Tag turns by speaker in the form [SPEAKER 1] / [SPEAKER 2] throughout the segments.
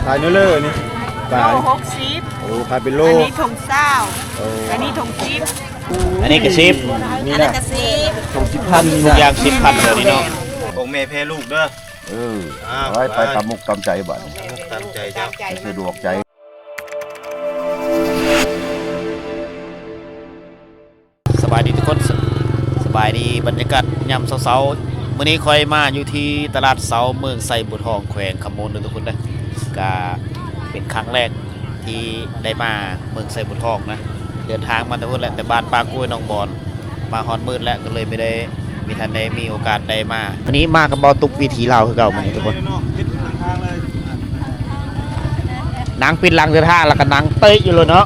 [SPEAKER 1] ขายเนื้อเล่อนี่
[SPEAKER 2] โล60
[SPEAKER 1] โอ้ขายเป็นโล
[SPEAKER 2] อันนี้ถุงเศร้าอันนี้ถุงซิป
[SPEAKER 3] อันนี้กระซิบ
[SPEAKER 1] นี่นะถุง10,000นี่นะ
[SPEAKER 3] อย่าง10,000เลยนี่เนาะ
[SPEAKER 1] ของแม่แพ้ลูกเด้อ
[SPEAKER 4] ไว้ไปตามมุกตามใจบัด
[SPEAKER 1] ตามใจเจ้า
[SPEAKER 4] สะดวกใจ
[SPEAKER 3] สบายดีทุกคนสบายดีบรรยากาศยามเช้าๆมื้อนี้ค่อยมาอยู่ที่ตลาดเสาเมืองไซบุตรทองแขวงคำมูลทุกคนนะก็เป็นครั้งแรกที่ได้มาเมืองไซบุตรทองนะเดินทางมาแต่พุ่นแหละแต่บ้านปากล้วยน้องบอนมาฮอนมืดแล้วก็เลยไม่ได้มีทันได้มีโอกาสได้มาวันนี้มากับเบาตุกวิถีลาวคือเก่ามันทุกคนนางปินลังเดินทางแล้วก็นางเตยอยู่เลยเนาะ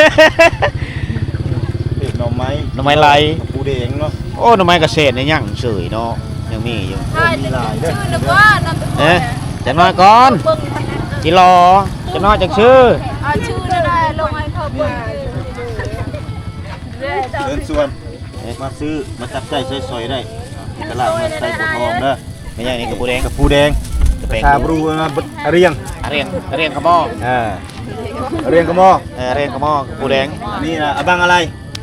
[SPEAKER 1] หน่อไม้
[SPEAKER 3] ไร
[SPEAKER 1] ปูแดงเนาะ
[SPEAKER 3] โอ้หน่อไม้เกษตรเนี่ยยังเฉยเนาะยังมีอยู่จะน้อยก่อนจิรอจะน้อยจากชื่อ
[SPEAKER 2] ชื่อได้ลงให้เขาเบิ่ง
[SPEAKER 1] เดินส่วนมาซื้อมาจับใจซอยๆได้ตลาดเมืองไซบุตรทองเด้อ
[SPEAKER 3] ไม่ใช่นี่กระปูแดง
[SPEAKER 1] ชาบรูมาเรียง
[SPEAKER 3] กระหม้อ
[SPEAKER 1] เรียงกระหม้อ
[SPEAKER 3] เรียงกระหม้อกระปูแดง
[SPEAKER 1] นี่นะอบังอะไร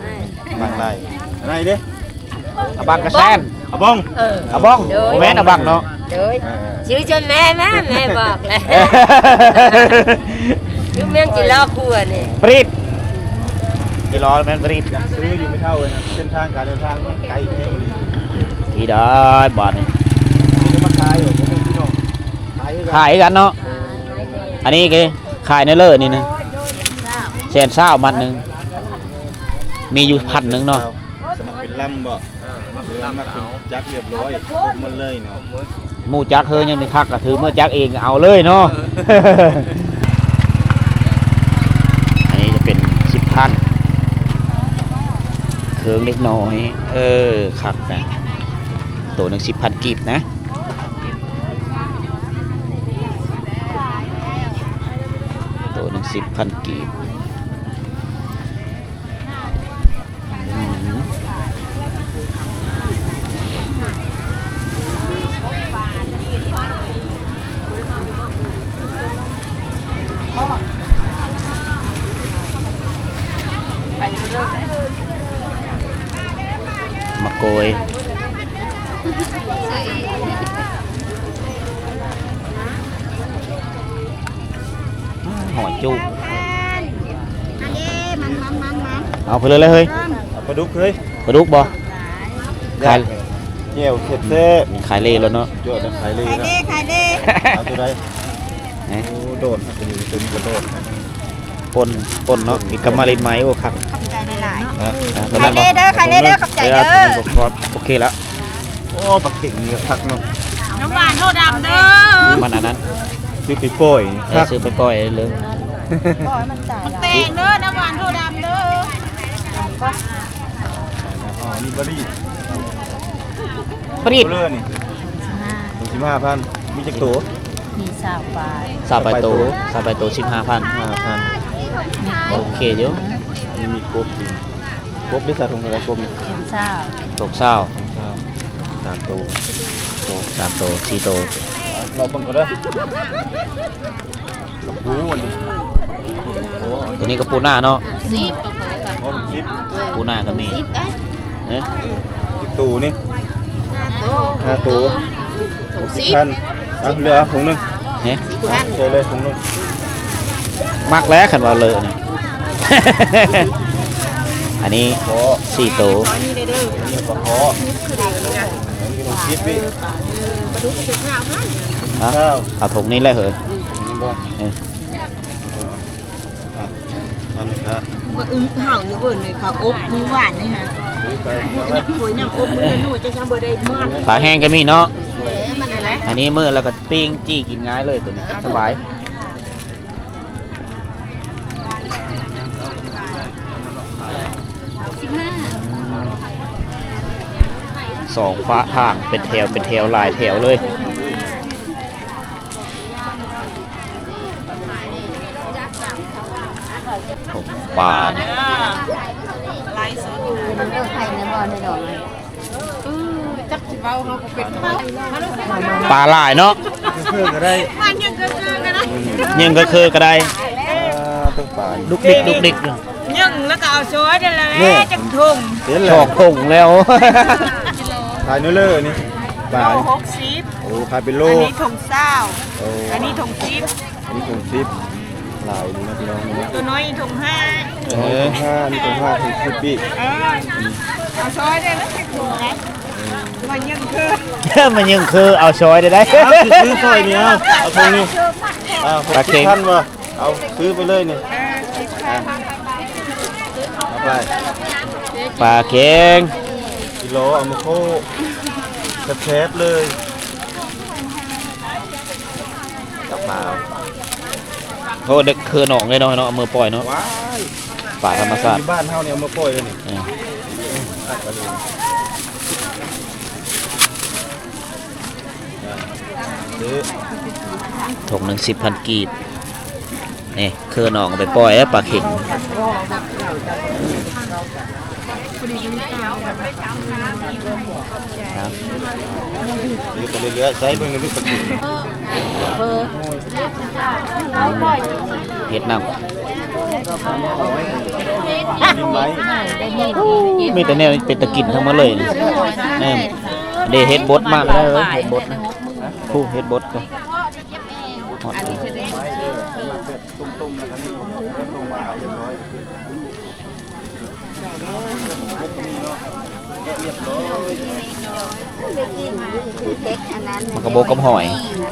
[SPEAKER 1] เด้
[SPEAKER 3] อบังกระแซน
[SPEAKER 1] อบ้อง
[SPEAKER 3] แม่นอบังเนาะ
[SPEAKER 2] ชื่อจนแม่บอกเลยชื่อแม่จิรอครัวนี่
[SPEAKER 3] ปรีดจิรอแม่นปรีด
[SPEAKER 1] ซื้ออยู่ไม่เท่าเลยนะเส้นทางการเดินทางไกลแค่นี้
[SPEAKER 3] ที่ได้บาทนี่
[SPEAKER 1] มาขายอยู่พี่น้อง
[SPEAKER 3] ขายกันเนาะอันนี้คือขายในเลิศนี่นะแสนซ่ามันหนึ่งมีอยู่1,000เนาะ
[SPEAKER 1] สมัครเป็นลำบ่มาถึงจักเรียบร้อยมันเลยเนาะ
[SPEAKER 3] หมูจักเฮยยังไม่คักก็ถือเมื่อจักเองเอาเลยเนาะอันนี้จะเป็น10,000เครื่องเล็กน้อยคักนะตัวหนึ่ง10,000กีบนะตัวหนึ่ง10,000กีบมะโกยหอยจุกเอาไปเลยเฮ้ย
[SPEAKER 1] ปลาดุกเฮ้ย
[SPEAKER 3] ปลาดุกบ่ขาย
[SPEAKER 1] เกี่ยวเสร็จเซ่
[SPEAKER 3] ขายเล่แล้วเนาะ
[SPEAKER 1] เยอะนะขายเล่เอาตัวใดโดดเป็นกระโดด
[SPEAKER 3] ปนเนาะมีกำมะลินไม้โอ้ครับ
[SPEAKER 2] ขายเด้อขอบใจเด้อ
[SPEAKER 3] โอเคแล้ว
[SPEAKER 1] โอ้ปักเก่งนี่คักเนาะ
[SPEAKER 2] น้ำหวานโทดำเด้อ
[SPEAKER 3] มันอันนั้น
[SPEAKER 1] ซื้อไปปล่อย
[SPEAKER 3] ซื้อไปปล่อยเลย
[SPEAKER 2] มันเตงเด้อน้ำหวานโทดำเด้อ
[SPEAKER 1] นี่บรี
[SPEAKER 3] ด
[SPEAKER 1] เลยนี่15,000มีจักตัว
[SPEAKER 2] มี
[SPEAKER 3] สาบไปโต15,000โอเคเดี๋ยว
[SPEAKER 1] นี่มีกบได้สาทงอะไรกบนี่
[SPEAKER 3] ตกเศร้า
[SPEAKER 1] 3ตัว
[SPEAKER 3] 4ตัว
[SPEAKER 1] เราบังก็ได้กับปูวันนี้
[SPEAKER 3] ตัวนี้ก็ปูหน้าเนาะ
[SPEAKER 1] 10
[SPEAKER 3] ปูหน้าก็มี
[SPEAKER 1] ตัวนี่5ตัว10,000เหลือถุงนึงเจอเลยถุงนึง
[SPEAKER 3] มักแล้วขันว่าเลยนี่อันนี้4ตัว
[SPEAKER 1] นี่ปลาคอนี่ต้องคิดพี่
[SPEAKER 3] เอาถุงนี้เลยเหรอ
[SPEAKER 2] มาเห่าอยู่เบิ่นเลยค่ะอบมีหวานนี่ฮะคุยน้ำอบมือนู่นจะทำเบอร์ได้มาก
[SPEAKER 3] ปลาแห้งก็มีเนาะอันนี้มือแล้วก็ปิ้งจี้กินง่ายเลยตัวนี้สบาย2ฟ้าทางเป็นแถวหลายแถวเลยปลาปลาหลายเนาะ
[SPEAKER 1] เพื่อก็ได้
[SPEAKER 2] มันยังเกินกัน
[SPEAKER 3] ยังก็คือก็ได้
[SPEAKER 1] ต้องปาน
[SPEAKER 3] ดุกดิกดุกดิกอยู่
[SPEAKER 2] ยังแล้วก็เอาช้อยได้แล้วจังทุ่ง
[SPEAKER 1] เห็น
[SPEAKER 3] ช
[SPEAKER 1] แล้
[SPEAKER 3] อ
[SPEAKER 1] ว
[SPEAKER 3] กคงแล้ว
[SPEAKER 1] ขายเนื้อเลอนี่บาท
[SPEAKER 2] โล60
[SPEAKER 1] โอ้ขายเป็นโล
[SPEAKER 2] อันนี้ถุงเศร้า
[SPEAKER 1] โอ้
[SPEAKER 2] อันนี้ถุง10
[SPEAKER 1] อันนี้ถุงซิปหลายดีนะพี่น้องนะ
[SPEAKER 2] ตัวน้อยถุง5
[SPEAKER 1] 5นี่ถุง5ถุง10ปี
[SPEAKER 2] เอาช้อยได้แล้วจังทุ่งไงมันยังคือ
[SPEAKER 3] มันยังคือเอาช้อยได้
[SPEAKER 1] ซื้อซอยนี่เอาถุงนี้
[SPEAKER 3] ปลาเค็ง
[SPEAKER 1] ท่านวะเอาซื้อไปเลยนี่เอาไป
[SPEAKER 3] ปลาเค็ง
[SPEAKER 1] กิโลเอามาโคแคบๆเลยกระเป๋า
[SPEAKER 3] โทษเด็กคือหนองเลยเนาะเอามือปล่อยเนาะ
[SPEAKER 1] ว้าย
[SPEAKER 3] ป่าธรรมชาติ
[SPEAKER 1] ที่บ้านเฮาเนี่ยเอามาปล่อยเลยนี่ ตัดกันเลยซื้อ
[SPEAKER 3] ถุงหนึ่ง10,000 กีบนี่คือหนองเอาไปปล่อยแล้วปลาเค็งครับ
[SPEAKER 1] ซื้อไปเรื่อยๆใช้เบิ่งในลูกตะกี้
[SPEAKER 3] เฮ็ดน้
[SPEAKER 1] ดินไม้
[SPEAKER 3] ำมีแต่แนวเป็นตะกินทั้งหมดเลยนี่แน่เดเฮ็ดบดมากเลยเฮ็ดบดนะผู้เฮ็ดบดก็ฮอด มันกระโบกกับหอย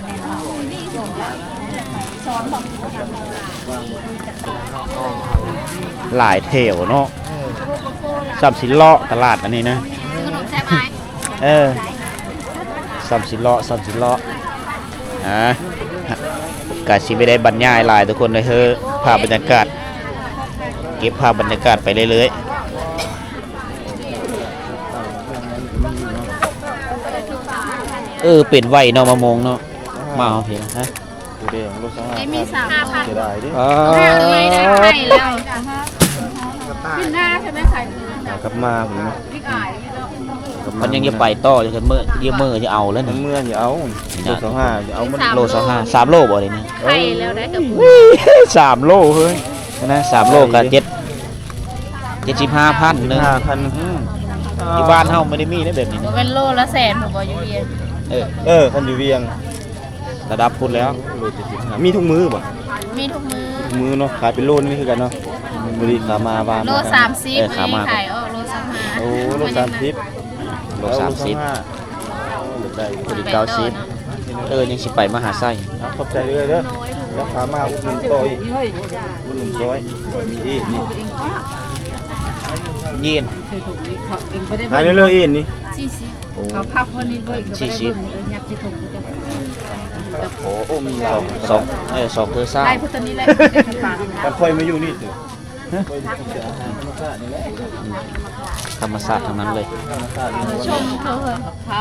[SPEAKER 3] หลายแถวเนาะสับสิเลาะตลาดอันนี้นะสับสิเลาะกาสิไม่ได้บรรยายหลายทุกคนเลยภาพบรรยากาศเก็บภาพบรรยากาศไปเรื่อยๆเป็นไหวเนาะมะม่วงเนาะมาเอาเพียงฮะ
[SPEAKER 1] ดูเด้งรถสอง
[SPEAKER 5] มี3,000
[SPEAKER 1] เสียดายดิ
[SPEAKER 5] เลยได้ให้แล้วขึ้นหน้าใช่ไหมใส่
[SPEAKER 1] กลับมาผมนะ
[SPEAKER 3] มันยังจะไปต่อจะเมื่อเยี่ยมเมื่อจะเอาแล้ว
[SPEAKER 1] ทั้
[SPEAKER 3] นี่
[SPEAKER 1] งเมื่ออย่าเอารถสองห้าอย่าเอามัน
[SPEAKER 3] โล3 โลบ่เลยนี่
[SPEAKER 5] ให้แล้วได้กับ
[SPEAKER 3] 3 โลเฮ้ยนะ3 โลกับ75,000นึง
[SPEAKER 1] 5,000
[SPEAKER 3] ที่บ้านเฮาไม่ได้มีได้แบบนี้นะ
[SPEAKER 5] เป็นโลละแสนผมบอกอยู่เรียน
[SPEAKER 1] คันอยู่เวียง
[SPEAKER 3] ระดับพุ่นแล้ว
[SPEAKER 1] โล75มีทุกมือป่ะ
[SPEAKER 5] มีทุกมือ
[SPEAKER 1] ทุกมือเนาะขายเป็นโลนี่คือกันเนาะบริขามาวาน
[SPEAKER 5] โล30มีขายโล35
[SPEAKER 1] โอ้โล30
[SPEAKER 3] โล30
[SPEAKER 1] ได้
[SPEAKER 3] พอดี90ยังสิไปมหาไส้
[SPEAKER 1] ขอบใจเลยเด้อแล้วขามาอุดหนุนต่อยอุดหนุนซอยมีอีกนี่
[SPEAKER 3] เย็น
[SPEAKER 1] ขายเรื่อยๆอีกนี่
[SPEAKER 5] 40
[SPEAKER 1] โอ้
[SPEAKER 3] 40
[SPEAKER 1] โอ้มีเรา
[SPEAKER 3] 2 คือซ่า
[SPEAKER 5] ได้พุทธนี้แหละ
[SPEAKER 1] กันค่อยมาอยู่นี่เถอะ
[SPEAKER 3] ธรรมศาสตร์ทั้งนั้นเลย
[SPEAKER 5] ชมเขาเข้า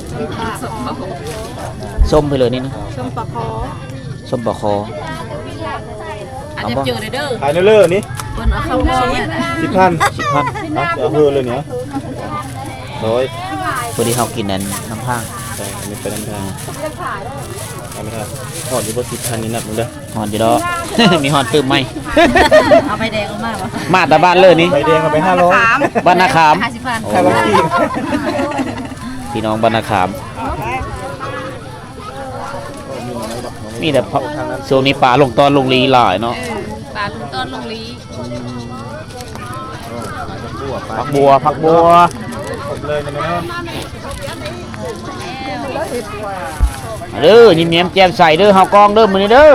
[SPEAKER 3] ส้มไปเลยนี่นะ
[SPEAKER 2] ชมปลาคอ
[SPEAKER 3] ส้มปลาคอ
[SPEAKER 5] อาจจะเจอเด้อ
[SPEAKER 1] ขายเรื่อยๆนี่
[SPEAKER 5] เพิ่นเอาเข้าบ่เนี่ย
[SPEAKER 1] 10,000เอาเฮือเลยเนี่ยร้อย
[SPEAKER 3] พอดีเฮากินนั้นน้ำผาง
[SPEAKER 1] ใช่อันนี้เป็นน้ำทางเอาไม่ได้หอดอยู่บน10,000นี่นับมึงเด้อ
[SPEAKER 3] ฮอนอยู่ดอก มีฮอนตื้มไหม
[SPEAKER 5] เอาไปแดงออกมาบ่
[SPEAKER 3] มาแต่บ้านเลยนี่
[SPEAKER 1] ใบแดงเอาไป500
[SPEAKER 3] บ้านนาขาม
[SPEAKER 5] 50,000
[SPEAKER 1] ใครว่าขี้
[SPEAKER 3] พี่น้องบ้านนาขาม มีแต่ช่วงนี้ปลาลงตอนลงลีหลายเนาะ
[SPEAKER 5] ปลาลุงต้นลุงลี
[SPEAKER 3] ผักบัว
[SPEAKER 1] หมดเลยนะแม่
[SPEAKER 3] เด้อยิ้มแย้มแจ่มใสเด้อเฮากองเด้อมื้อนี้เด้อ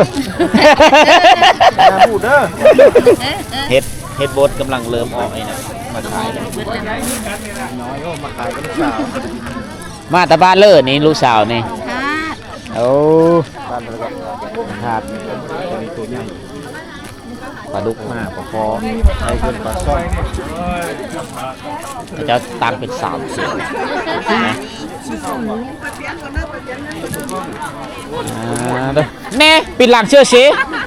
[SPEAKER 1] พูดเด้อ
[SPEAKER 3] เฮ็ดบดกำลังเริ่มออกไอ้นะมาขายแล้ว
[SPEAKER 1] น้อยก็มาขายกับลูกสาว
[SPEAKER 3] มาแต่บ้านเลยนี่ลูกสาวนี่
[SPEAKER 5] ค่ะ
[SPEAKER 3] โอ้
[SPEAKER 1] บ้านเราก็
[SPEAKER 3] ครับ
[SPEAKER 1] มีตัวใหญ่
[SPEAKER 3] ปลาดุก
[SPEAKER 1] มากกว่าพอไอ้คนปลาซ่อน
[SPEAKER 3] จะตังเป็น3 เสียงนะเด้อแน่ปิดหลังเชื่อสิ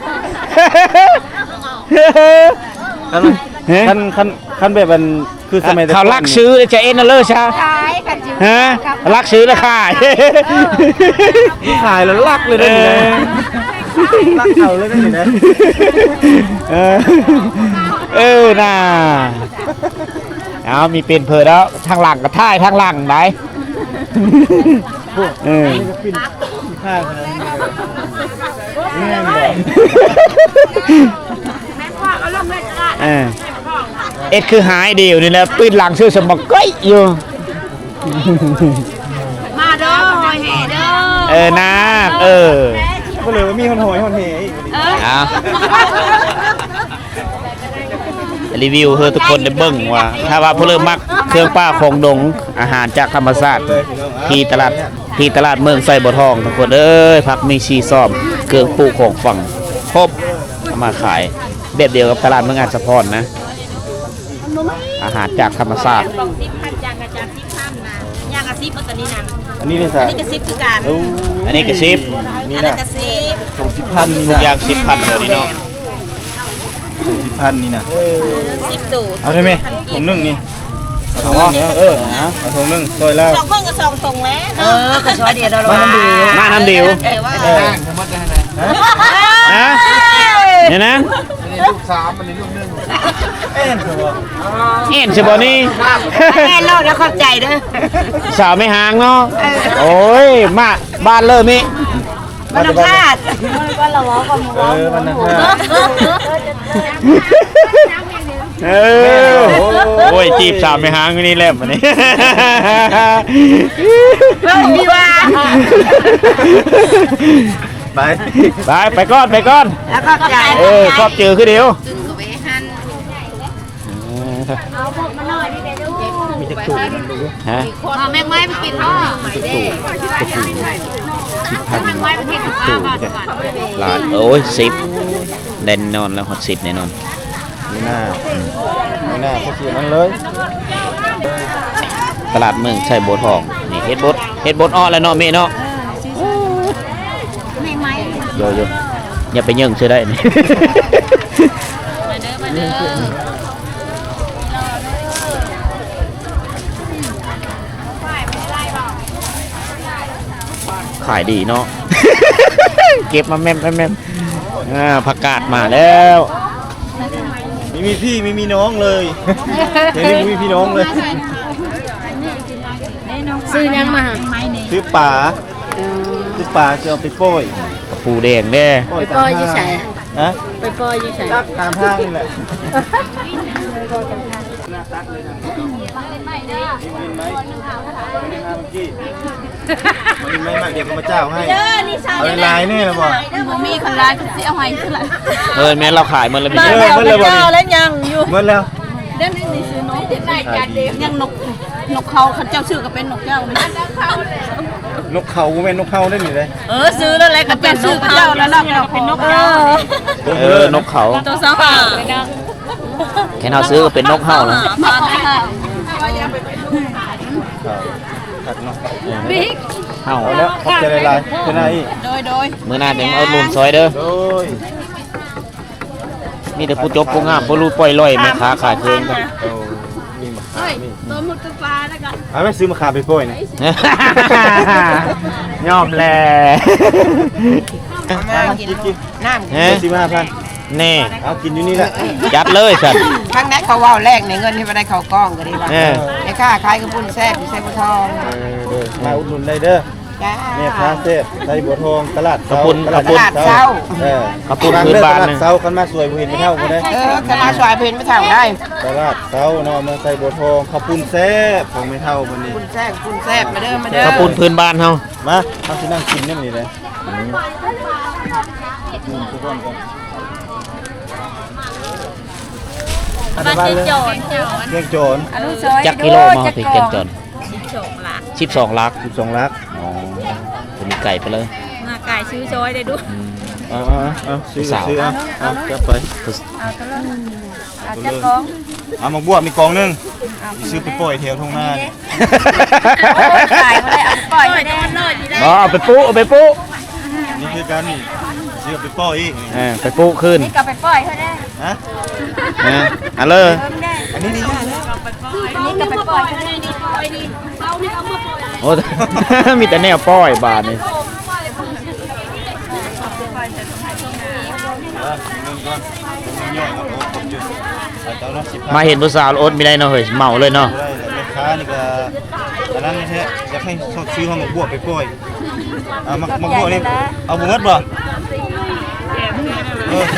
[SPEAKER 1] คันแบบมันคือสมัย
[SPEAKER 3] เขาลักซื้อจะเอ็นน่ะเลยใช่
[SPEAKER 5] ขายกันจิ๋ว
[SPEAKER 3] ฮะลักซื้อแล้วขาย
[SPEAKER 1] ขายแล้วลักเลยเด้อรักเขาเลยได้ไหม
[SPEAKER 3] น่าเอามีเป็นเพอแล้วทางหลังกับท่ายทางหลังไหน
[SPEAKER 1] ข้างนะนี่ไงบอก
[SPEAKER 3] เอ็ดคือหายเดียวนี่แหละปืนหลังชื่อสมบัติก้อยอยู่
[SPEAKER 2] มาเด้อหอยแห่เด้อ
[SPEAKER 3] นะ
[SPEAKER 1] ก็เลยว่ามีคนหอยคนเหอีก
[SPEAKER 3] รีวิวเพื่อทุกคนได้เบิ่งว่าถ้าว่าผู้เริ่มมักเครื่องป้าของดงอาหารจากธรรมชาติที่ตลาดเมืองไส่บ่อทองทุกคนผักมีชีซ้อมเครื่องปลูกของฝั่งครบเอามาขายแบบเดียวกับตลาดเมืองอัศพรนะอาหารจากธรรมชาติ
[SPEAKER 2] บอก10,000อย่างกับจาก10,000นะอย่างกับ10ตัวนี้นั่น
[SPEAKER 1] อันนี้เลย
[SPEAKER 2] อั
[SPEAKER 1] สิ
[SPEAKER 2] นนี้ก็10คือกัน
[SPEAKER 3] อันนี้ก็ชิป
[SPEAKER 1] นี่
[SPEAKER 2] อันนั้
[SPEAKER 1] นะ
[SPEAKER 2] นก็10
[SPEAKER 1] ส่ง10,000
[SPEAKER 3] ทุกอย่าง10,000เลยนี่เนาะ
[SPEAKER 1] ส่ง10,000นี่นะ
[SPEAKER 2] 10ตูด
[SPEAKER 1] เอาได้ไหมถุงนึงนี่เอาถุงนึงเอาถุงนึงซอยแล้ว
[SPEAKER 2] 2คนก็2ตรงแล้วก็ซอยเดียวดอก
[SPEAKER 3] มาน้ำเดียว
[SPEAKER 2] ว่า
[SPEAKER 3] ฮะเนี่ยนะเอ็นใช่ป่ะนี่
[SPEAKER 2] แม่โลดแล้วเข้าใจเด้อ
[SPEAKER 3] สาวไม่ห่างเนาะโอ้ยมาบ้านเริ่มนี่
[SPEAKER 2] มันพลาดก็ละล้อกัน
[SPEAKER 1] มันนะ
[SPEAKER 3] โอ้ยจีบสาวไม่ห่างนี่แหละวันนี้
[SPEAKER 2] มีว่า
[SPEAKER 3] ไปก่อน
[SPEAKER 2] แล้วเข้าใจ
[SPEAKER 3] ครอบเจอคือเดียวมีตะกุ่ฮะ
[SPEAKER 5] แม่งไม้ไปกินพ่อแม่งไม้ไปกินข้าวก่อน
[SPEAKER 3] หลานโอ้ย10แน่นอนแล้วฮอต10แน่นอน
[SPEAKER 1] ไม่น่าเขาเสียมันเลย
[SPEAKER 3] ตลาดเมืองใช่โบทองนี่เฮ็ดบดอ้อแล้วเนาะเมเนาะ
[SPEAKER 5] แม่งไม้
[SPEAKER 3] โยอย่าไปยิงเชื่อได้นี่
[SPEAKER 5] มาเด้อ
[SPEAKER 3] ขายดีเนาะ เก็บมาแม่มผักกาดมาแล้ว
[SPEAKER 1] ไม่มีพี่ไม่มีน้องเลยเดี๋ยวนี้ไม่มีพี่น้องเลย
[SPEAKER 5] ซื้อยังมา
[SPEAKER 1] ซื้อป่าจะเอาไปโป้ย
[SPEAKER 3] กระปูแดงแน่
[SPEAKER 5] ไปปล่อยยี่ใส่
[SPEAKER 1] ฮะ
[SPEAKER 5] ไปปล่อยยี่ใส่
[SPEAKER 1] ตามห้างนี่แหละไม่มากเดี๋ยวก็มาเจ้าให้เอาลายนี่แหละบ่
[SPEAKER 5] มีคนร้ายก็เสียหอยขึ้นละ
[SPEAKER 3] แม่เราขายมันแล้วมี
[SPEAKER 2] มาแล้วมันก็แล้วยังอยู่
[SPEAKER 1] เมื่อแล้ว
[SPEAKER 5] เด่นนี่ซื้อน้องที่ได้จานเดียวยังนกเขาเจ้าชื่อก็เป็นนกเจ้านี่
[SPEAKER 1] นกเขาเป็นนกเขาได้หนิเลย
[SPEAKER 2] ซื้อแล้วอะไรก็เป็นชื่อเจ้าแล้วเราเป็นนกเจ้าน
[SPEAKER 3] กเขา
[SPEAKER 2] ตัวสองห่า
[SPEAKER 3] แค่เราซื้อก็เป็นนกเห่าแล้ว
[SPEAKER 2] มาได้ค่ะ
[SPEAKER 1] ตัดเนาะ
[SPEAKER 5] บิ๊ก
[SPEAKER 3] เห่า
[SPEAKER 1] เอาแล้วขอบใจลายๆเป็นไง
[SPEAKER 2] โดย
[SPEAKER 3] มื้อหน้าจะมาเอาลุนซอยเด้อ
[SPEAKER 1] โดย
[SPEAKER 3] มีแต่ผู้จบผู้งามผู้รู้ปล่อยลอยแม่ค้าขายเพลงกัน
[SPEAKER 1] โอ้มีมะขามนี่
[SPEAKER 5] ตัวมุดกระปาแล้วกัน
[SPEAKER 1] เอาไปซื้อมะขามไปโป้ยนะ
[SPEAKER 3] ยอมแล
[SPEAKER 1] กิน
[SPEAKER 2] น้ำ
[SPEAKER 3] เฮ้
[SPEAKER 1] 15,000
[SPEAKER 3] นี่
[SPEAKER 1] เอากินอยู่นี่แหละ
[SPEAKER 3] จัดเลยสัตว์
[SPEAKER 2] ครั้งนั้นเขาว่าแรกในเงินที่มาได้เขากล้องก็ดีว่า
[SPEAKER 3] เออ
[SPEAKER 2] ไอ้ค่าขายกระปุ้นแซ่บอยู่ใส่บัวทอง
[SPEAKER 1] มาอุดหนุนได้เด้อ
[SPEAKER 2] จ้า
[SPEAKER 1] แม่ค้าเทพไทยบัวทองตลาด
[SPEAKER 3] ขอบคุณ
[SPEAKER 1] ตลาดเช้าเออ
[SPEAKER 3] ขอบคุณพื้นบ้าน
[SPEAKER 1] ตลาด
[SPEAKER 3] นะ
[SPEAKER 1] เช้าคันมาสวยบ่เห็นไม่เท่ากันได้
[SPEAKER 2] จะมาสวายเพนไม่เท่าได้
[SPEAKER 1] ตลาดเช้าเนาะเมืองไทยบัวทองขอบคุณแซ่บของไม่เท่าคนนี้
[SPEAKER 2] ปุ้นแซ่บมาเด้อมาเด้อ
[SPEAKER 3] ขอบคุณพื้นบ้านเฮา
[SPEAKER 1] มาเอาสินั่งกินนี่นี่เลยทุกคนกัน
[SPEAKER 5] บ้านเจ้า
[SPEAKER 1] เรียกโจร
[SPEAKER 3] จักกิโลมาถึงเกณฑ์จน12ลัก
[SPEAKER 1] 12ลัก
[SPEAKER 3] อ๋อจะมีไก่ไปเลย
[SPEAKER 5] มาไก่ซื้อจอยได้ดู
[SPEAKER 1] เอาซื้อเอาจับไป
[SPEAKER 5] อาจจะกอง
[SPEAKER 1] เอาหมกบัวมีกองนึงซื้อไปปล่อยแถวทุ่งนานี่
[SPEAKER 5] ขายมาได้เอาปล่อยไปได้หน่อยดีได้
[SPEAKER 3] เอาไปปุ๊
[SPEAKER 1] นี่คือการนี่ซื้อไปปล่อยอีก
[SPEAKER 3] ไปปุ๊ขึ้น
[SPEAKER 5] นี่ก็ไปปล่อยเขาได้
[SPEAKER 1] ฮะ
[SPEAKER 3] เอาเลย
[SPEAKER 1] อันนี้ดี
[SPEAKER 5] นี่ก็ไปปล่อยเขาได้นี่ปล่อยนี่เอานี่เอามาปล่อย
[SPEAKER 3] โอ้ มีแต่แนวป้อยบาทนี่
[SPEAKER 1] นึงก่อนย่อยครับโอ้ผมอยู่เจ้าเนาะ15
[SPEAKER 3] มาเห็นผู้สาวอดไม่ได้เนาะเฮ้ยเมาเลยเนาะ
[SPEAKER 1] ได้แต่แม่ค้านี่ก็อันนั้นนี่แท้อยากให้ชอบซื้อห้องบวบไปปล่อยมักบวบนี่เอาบ่หมดบ่แถ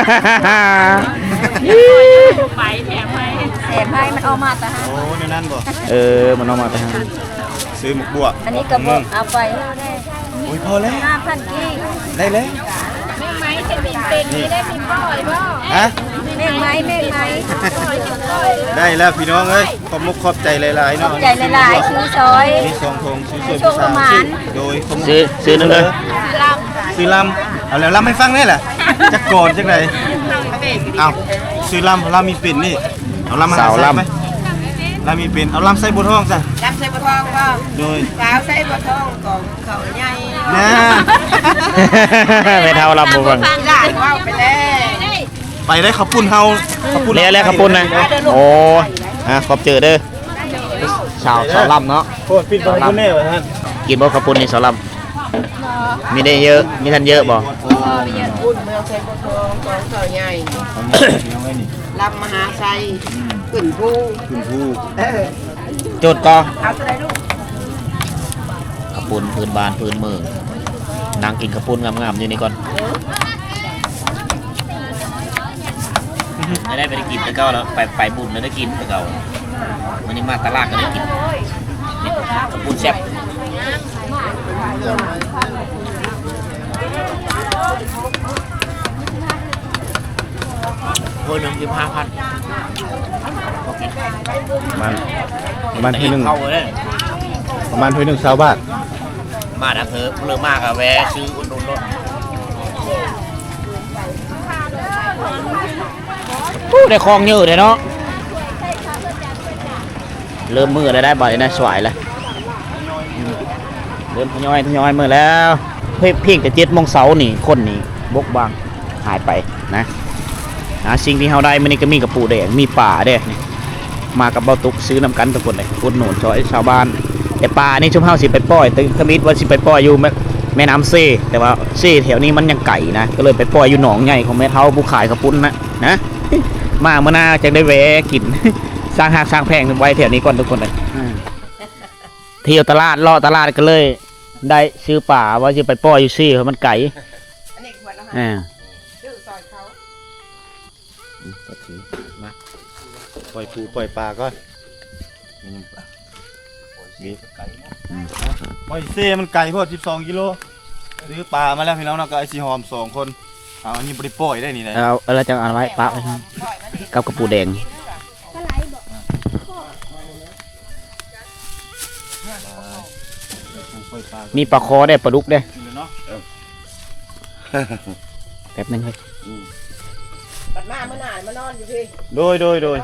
[SPEAKER 2] มให้มันเอามาแต่ฮะ
[SPEAKER 1] โอ้ในนั้นบ่
[SPEAKER 3] มันเอามาไปหา
[SPEAKER 1] ซื้อหมกบัว
[SPEAKER 2] อันนี้กระบอกเอาไปได้
[SPEAKER 1] โอ้ยพอแล้ว
[SPEAKER 2] 5,000กี้
[SPEAKER 1] ได้แล้ว
[SPEAKER 5] แม่ไม้จะมีเป็นมีได้มีป้อยบ่
[SPEAKER 1] ฮะ
[SPEAKER 2] แม่ไม้
[SPEAKER 1] ได้แล้วพี่น้องเอ้ยขอบมุกขอบใจหลายๆเนาะ
[SPEAKER 2] ใจหลายๆซื้อซอย
[SPEAKER 1] มี2ธงซื้อช่วยผู้สาวโดยขอบมุก
[SPEAKER 3] ซื้อนั่นเลย
[SPEAKER 1] ซื้อลำเอาแล้วลำให้ฟังได้แหละจะโกนจังไดเอาซื้อลำมีปิ่นนี่เอาลำมาหาใส่ไหมลำมีปิ่นเอาลำใส่บัวทองซะ
[SPEAKER 2] ลำใส่บัวทองก็
[SPEAKER 1] โดย
[SPEAKER 2] สาวใส่บัวทองของเขาใหญ่
[SPEAKER 1] นะ
[SPEAKER 3] ไม่เท่าลำบ่ฟัง
[SPEAKER 2] หลานว่าไปแล้ว
[SPEAKER 1] ไปได้ขับปุ่นเฮาขับปุ่น
[SPEAKER 3] แล้วขับปุ่นนะโอ้ขอบเจอเด้อสาวลำเนาะ
[SPEAKER 1] โคตรปิดบังคุณแน่วะท่าน
[SPEAKER 3] กินบ่ขับปุ่นนี่สาวลำมีได้เยอะมีทันเยอะบ่
[SPEAKER 2] อุ่นเมืองใส่บัวทองของเขาใหญ่ลำมหาไซขึ้นภู
[SPEAKER 1] คุณผู้
[SPEAKER 3] จดก่อ
[SPEAKER 2] เอาตัวไหนลูก
[SPEAKER 3] ขับปุ่นพื้นบ้านพื้นเมืองนางกินขับปุ่นงามๆอยู่นี่ก่อนไม่ได้ไปกินแต่เก่าแล้วไปบุญแล้วได้กินแต่เก่าวันนี้มาตลาดก็ได้กินขับปุ่นแซ่บโอ้ย1,500
[SPEAKER 4] ประมาณที่หนึ่ง
[SPEAKER 3] เข้าเลย
[SPEAKER 4] ประมาณที่หนึ่งชาวบ้าน
[SPEAKER 3] มาดับเพลิงเริ่มมากอะแวะซื้ออุดหนุนรถได้คลองเยอะเลยเนาะเริ่มมือแล้วได้บ่อยนะสวยแล้วเริ่มทยอยมือแล้วเพียงแต่7 โมงเช้านี่คนนี่บกบางหายไปนะสิ่งที่เราได้มันนี่ก็มีกระปูแดงมีป่าเด้นี่มากับเบาตุกซื้อน้ำกันทุกคนเลยอุดหนุนช่วยชาวบ้านแต่ป่านี่ชุมเฮาสิไปปล่อยตึงขมิดว่าสิไปปล่อยอยู่แม่น้ำเซ่แต่ว่าเซ่แถวนี้มันยังไก่นะก็เลยไปปล่อยอยู่หนองใหญ่ของแม่เฒ่าผู้ขายกระปุ้นนะมาเมื่อหน้าจะได้แวะกิน สร้างหากสร้างแพงไว้แถวนี้ก่อนทุกคนเลยเที่ยวตลาดล่อตลาดก็เลยได้ซื้อป่าว่าจะไปปล่อยอยู่ซี่เพราะมันไก่
[SPEAKER 2] อันนี้ขวดละ ซื้อซอยเขา
[SPEAKER 1] มาปล่อยปูปล่อยปลาก่อนปล่อยเซ่มันไก่พอ12 กิโลซื้อปลามาแล้วพี่น้องเนาะก็ไอซีหอม2 คนเอาอันนี้บริปล่อยได้นี่นะ
[SPEAKER 3] เอาอะไรจะเอาไว้ปะไว้กับกระปูแดงมีปลาคอได้ปลาดุกได้แป๊บนึงเลย
[SPEAKER 2] บัดมาเมื่อหน่ายมานอนอยู่พี่
[SPEAKER 1] โดย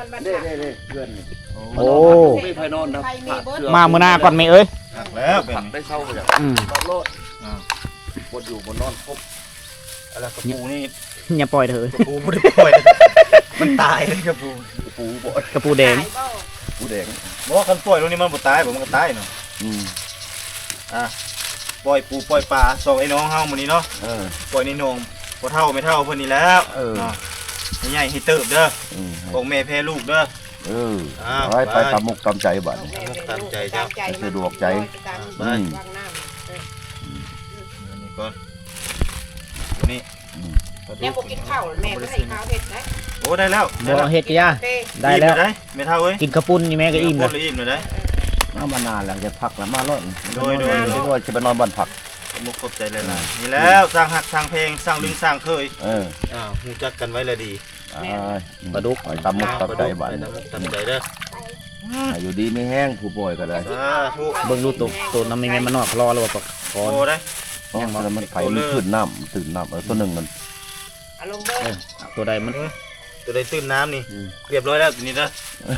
[SPEAKER 3] โอ้
[SPEAKER 4] ไม่ไพนอนนะ
[SPEAKER 2] ใครมีเบิร์ด
[SPEAKER 3] มามื้อหน้าก่อนไหมเอ้ย
[SPEAKER 1] หักแล้วเป็น
[SPEAKER 4] ผักได้เช่าเลย
[SPEAKER 3] Ừ.
[SPEAKER 4] โลดบนอยู่บนนอนครบ
[SPEAKER 1] อะไรกระปูนี่
[SPEAKER 3] อย่าปล่อยเถอะ
[SPEAKER 1] กระปูไม่ได้ปล่อยมันตายเลยกระปู
[SPEAKER 4] ปูบ่
[SPEAKER 3] กระปูแดง
[SPEAKER 4] ปูแดง
[SPEAKER 1] บอกว่าคันปล่อยตรงนี้มันบ่ตายผมมันก็ตายเนาะปล่อยปูปล่อยปลาส่งไอ้น้องเฮามื้อนี้เนาะปล่อยในหนองบ่เท่าไม่เท่าเพิ่นนี่แล้วเนาะใหญ่ให้เติบเด้อของแม่แพ้ลูกเด้อ
[SPEAKER 4] ไว้ไปตามมุกตามใจบ้าน
[SPEAKER 1] ตามใจเจ้า
[SPEAKER 4] สะดวกใจ
[SPEAKER 1] ไปนี่ก่อนนี่
[SPEAKER 2] แม่บอกกินข้าวแม่ก็ให้ข้าวเผ็ดนะ
[SPEAKER 1] โอ้ได้แล้ว
[SPEAKER 3] บ่เฮ็ดกะยา
[SPEAKER 2] เต้
[SPEAKER 3] ได้แล้ว
[SPEAKER 1] ได้ไม่เท่าเว้ย
[SPEAKER 3] กินกระปุ้นนี่แม่ก็อิ่ม
[SPEAKER 1] แล้
[SPEAKER 3] แล้ว ว
[SPEAKER 1] อิ่มเลยได้
[SPEAKER 4] มานานแล้วจะพักแล้วมาโลด
[SPEAKER 1] โดย
[SPEAKER 4] จะไปนอนบ้านผัก
[SPEAKER 1] มุกขอบใจเลยนะนี่แล้วสร้างหักสร้างเพลงสร้างลึงสร้างเคย หูจักกันไว้เลยดี
[SPEAKER 4] ปลาดุกตามมุกตามใจบ้าน
[SPEAKER 1] ตามใจเด้อ
[SPEAKER 4] อยู่ดีไม่แห้งผู้ป่วยก็ได้
[SPEAKER 1] สาธุ
[SPEAKER 3] เบิ่งดูตัวน้ำมีแม่มันนอกรอแล้วว่าคอ
[SPEAKER 1] โอ้ได้
[SPEAKER 4] มันไผ่มันขึ้นน้ำตื่นน้ำตัวหนึ่งมัน
[SPEAKER 2] อารมณ์เบิร์ด
[SPEAKER 3] ตัวใดมัน
[SPEAKER 1] ตัวได้ตื้นน้ำนี่เรียบร้อยแล้วตัวนี้นะ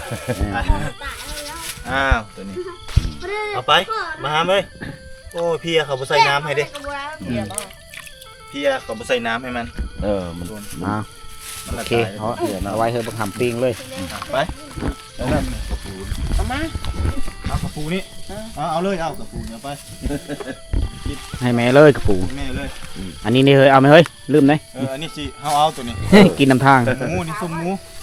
[SPEAKER 1] ตัวนี้เอาไปมาหาเลยโอ้พี่เขาไปใส่น้ำให้เด้พี่เขาไปใส่น้ำให้มัน
[SPEAKER 4] มัน
[SPEAKER 3] มาโอเคเอาไว้เถอะบักหำปิ้งเลย
[SPEAKER 1] ไป
[SPEAKER 2] เอามา
[SPEAKER 1] เอากระปูนี่เอาเลยเอากระปูเนี่ยไป
[SPEAKER 3] ให้แม่เลยกระปู
[SPEAKER 1] แม่เลย
[SPEAKER 3] อันนี้นี่เฮ้ยเอาไหมเฮ้ยลืมไหม
[SPEAKER 1] อันนี้สิเฮาเอาตัวนี้
[SPEAKER 3] กินน้ำทาง
[SPEAKER 1] หมูนี่ส้มหมู